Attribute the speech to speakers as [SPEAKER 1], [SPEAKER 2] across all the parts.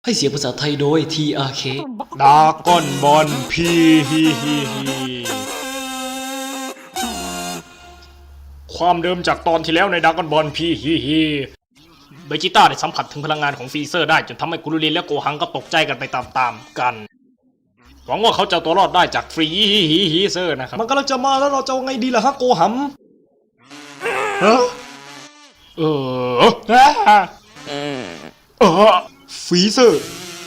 [SPEAKER 1] ให้เสียงภาษาไทยโดย TRK
[SPEAKER 2] ดราก้อนบอลพีฮีฮีฮีความเดิมจากตอนที่แล้วในดราก้อนบอลพีฮีฮีเบจิต้าได้สัมผัสถึงพลังงานของฟรีเซอร์ได้จนทำให้กุรุรินและโกหังก็ตกใจกันไปตามๆกันหวังว่าเขาจะตัวรอดได้จากฟรีฮีเซอร์นะครับ
[SPEAKER 1] มันกำลังจะมาแล้วเราจะเอาไงดีล่ะฮะโกหัม
[SPEAKER 2] ฮะฟรีเซอร์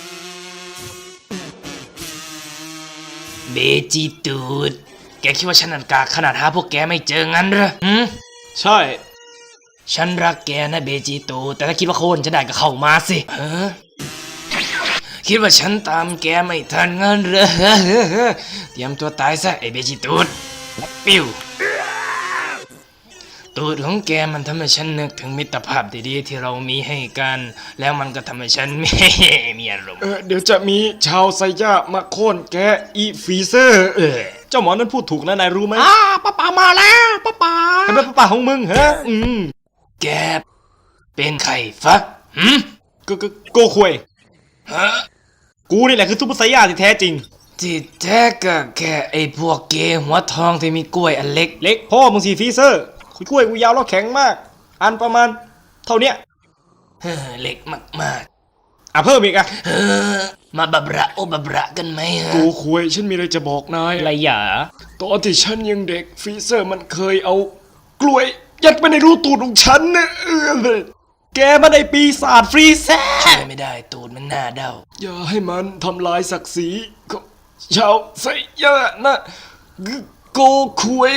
[SPEAKER 1] เบจิตูดแกคิดว่าฉันนันกากขนาดหาพวกแกไม่เจองั้นเหรอ
[SPEAKER 2] ใช่
[SPEAKER 1] ฉันรักแกนะเบจิตูดแต่ถ้าคิดว่าโค่นจะได้ก็เข้ามาสิคิดว่าฉันตามแกไม่ทันงั้นเหรอเตรียมตัวตายซะไอ้เบจิตูดปิ้วตูดของแกมันทำให้ฉันนึกถึงมิตรภาพดีๆที่เรามีให้กัน แล้วมันก็ทำให้ฉันมีอารมณ์
[SPEAKER 2] เดี๋ยวจะมีชาวไซย่ามาโค่นแกอีฟรีเซอร์เจ้าหมอนั้นพูดถูกนะนายรู้ไหมป้าป๋ามาแล้วป้าป๋าใครเป็นป้าป๋าของมึงฮะ
[SPEAKER 1] แกเป็นใครฟะ
[SPEAKER 2] โกควย
[SPEAKER 1] ฮะ
[SPEAKER 2] กูนี่แหละคือซุปเปอร์ไซย่าที่แท้จริง
[SPEAKER 1] ที่แท้ก็แค่ไอ้พวกเกย์หัวทองที่มีกล้วยอันเล็ก
[SPEAKER 2] พ่อมึงสีฟรีเซอร์กล้วยกูยาวแล้วแข็งมากอันประมาณเท่าเนี้ย
[SPEAKER 1] เล็กมาก
[SPEAKER 2] เพิ่มอีก
[SPEAKER 1] มาบับระโอบับระกันไหม
[SPEAKER 2] กูคุยฉันมีอะไรจะบอกนาย
[SPEAKER 1] อะไรอย่า
[SPEAKER 2] ตอนที่ฉันยังเด็กฟรีเซอร์มันเคยเอากล้วยยัดไปในรูตูดของฉันนะแกมาได้ปีศาจฟรีเซอร์
[SPEAKER 1] ช่วยไม่ได้ตูดมันหน้าเด้า
[SPEAKER 2] อย่าให้มันทำลายศักดิ์ศรีของชาวไซย่านะโกคุย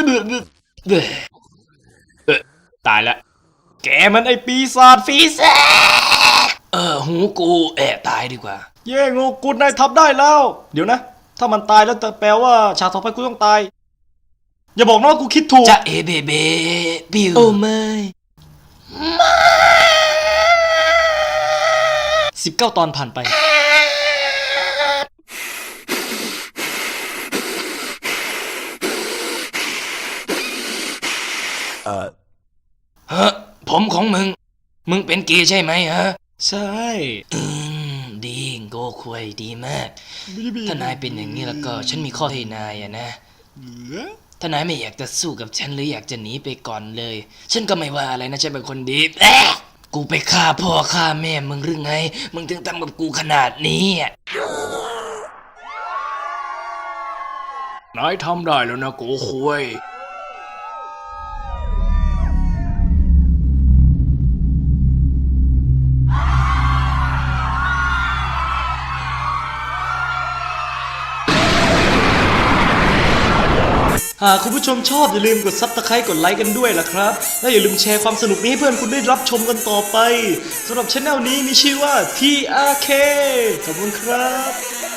[SPEAKER 2] ตายละแกมันไอปีศาจฟรีเซอร์
[SPEAKER 1] หูกูตายดีกว่า
[SPEAKER 2] เย่งูกูนายทำได้แล้วเดี๋ยวนะถ้ามันตายแล้วจะแปลว่าฉากต่อไปกูต้องตายอย่าบอกนะว่ากูคิดถูก
[SPEAKER 1] จะเบบิว
[SPEAKER 2] โอ้ไม่19 ตอนผ่านไป
[SPEAKER 1] ฮะผมของมึงเป็นเกย์ใช่ไหมฮะ
[SPEAKER 2] ใช่
[SPEAKER 1] ดีโกควยดีมากถ้านายเป็นอย่างนี้แล้วก็ฉันมีข้อให้นายนะถ้านายไม่อยากจะสู้กับฉันหรืออยากจะหนีไปก่อนเลยฉันก็ไม่ว่าอะไรนะฉันเป็นคนดีกูไปฆ่าพ่อฆ่าแม่มึงหรือไงมึงถึงทำกับกูขนาดนี้
[SPEAKER 2] นายทำได้แล้วนะโกควย
[SPEAKER 1] หากคุณผู้ชมชอบอย่าลืมกดซับสไครต์กดไลค์กันด้วยล่ะครับและอย่าลืมแชร์ความสนุกนี้ให้เพื่อนคุณได้รับชมกันต่อไปสำหรับช่องนี้มีชื่อว่า TRK ขอบคุณครับ